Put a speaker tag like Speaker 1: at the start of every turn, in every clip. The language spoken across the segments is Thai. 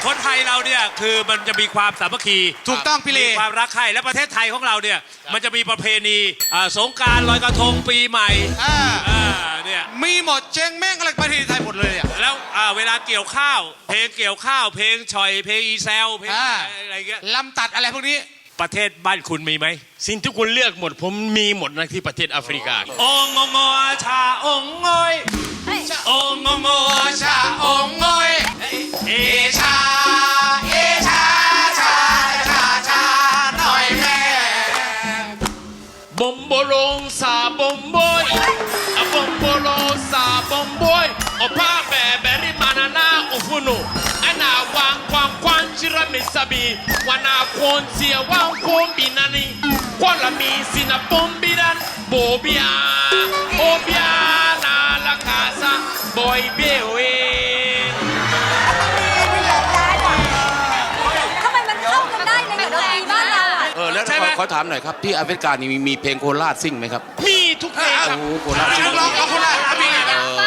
Speaker 1: คนไทยเราเนี่ยคือมันจะมีความสามัคคี
Speaker 2: ถูกต้องพี่เล
Speaker 1: มีความรักใคร่และประเทศไทยของเราเนี่ยมันจะมีประเพณีสงกรานต์ลอยกระทงปีใหม่เนี่ย
Speaker 2: มีหมดเจงแม่งอะไรประเทศไทยหมดเลยอ่ะ
Speaker 1: แล้วเวลาเกี่ยวข้าวเพลงเกี่ยวข้าวเพลงฉ่อยเพลงอีแซวเพลงอะไรเงี้ย
Speaker 2: ลำตัดอะไรพวกนี้
Speaker 1: ประเทศบ้านคุณมีไหม
Speaker 3: สิ่งที่คุณเลือกหมดผมมีหมดนะที่ประเทศแอฟริกา
Speaker 1: องงงชาองงอยองงงชาองงอยเอชาเอชาชาชาชาหน่อยแม่
Speaker 3: บอมโบลงซาบอมบอยบอมโบลงซาบอมบอยอพาแบเบริมานานาอุฟุโนอันนาวางความควันจิระมิซาบีวานาคนเสียวางคมบินานีควาลามีสินาปอมบิดันโบเบียโอเบียนาลาคาซาบอยเบเว
Speaker 4: ทำไมมันเข้ากันได้ในกับดนตรีบ้านเรา
Speaker 5: แล้วขอถามหน่อยครับที่แอฟริกานี่มีเพลงโคราชซิ่งไหมครับ
Speaker 3: มีทุกเพลงครับ
Speaker 5: โคราชซิ่ง
Speaker 2: ร้องเอาโคราชเอาเพลง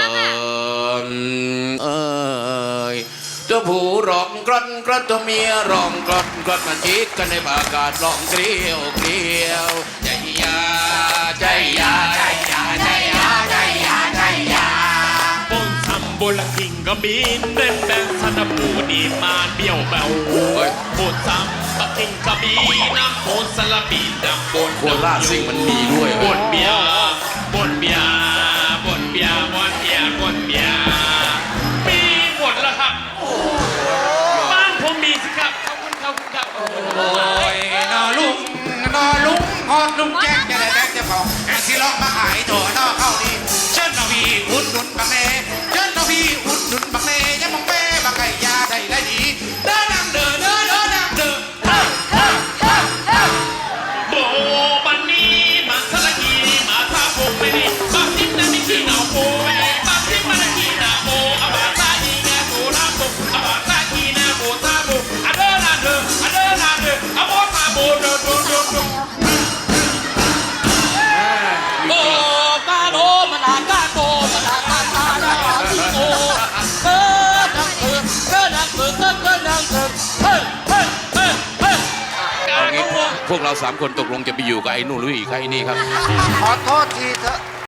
Speaker 5: เจ้าผู้ร้องกรอนกรอนตัวเมียร้องกรอนกรอนมันจิกกันในอากาศร้องเกลียวเกลียวใจยาใจยาใจยาใจยาใจยาใจยา
Speaker 3: บนซัมโบลังกิงก็บินเดินแบงสันปูดีมาเบี้ยวเบาบนซัมบักกิงก็บินน้ำโพสลับบินน้ำบน
Speaker 5: โคราชซิ่งมันมีด้วย
Speaker 3: บนเบียบนเบียบนเบียบนเบียบนเบียมีหมดแล้วครับบ้านผมมีสิครับขอบคุณครับ
Speaker 2: โอ้ยนอลุงฮอดลุงแจ๊กจะได้แจ๊กจะบอกสิร้องมาขายถั่วนอเข้าดีเชิญนอพี่อุดหนุนบักเน่เชิญนอพี่อุดหนุนบักเน่ยังมองเป้บักไก่ยาได้ดีเดินนางเดินนางเดิน
Speaker 3: โบบันนี้มาสละกีมาซาโบไปนี่บักทิ้งนั่นนี่ขี้หนาวโบบักทิ้งมันนี่ขี้หนาวโบอาบาซาอีแงโบราโบอาบาซาอีแงโบซาโบอะเดินนาเดินอะโบซาโบเดิน
Speaker 6: โบกาโดมันอากาโดมันอากาตาดาที่โบนังเ
Speaker 5: พวกเรา3 คนตกลงจะไปอยู่กับไอ้นู่นหรืออีกใครนี่ครับ
Speaker 2: ขอโทษทีเถอะ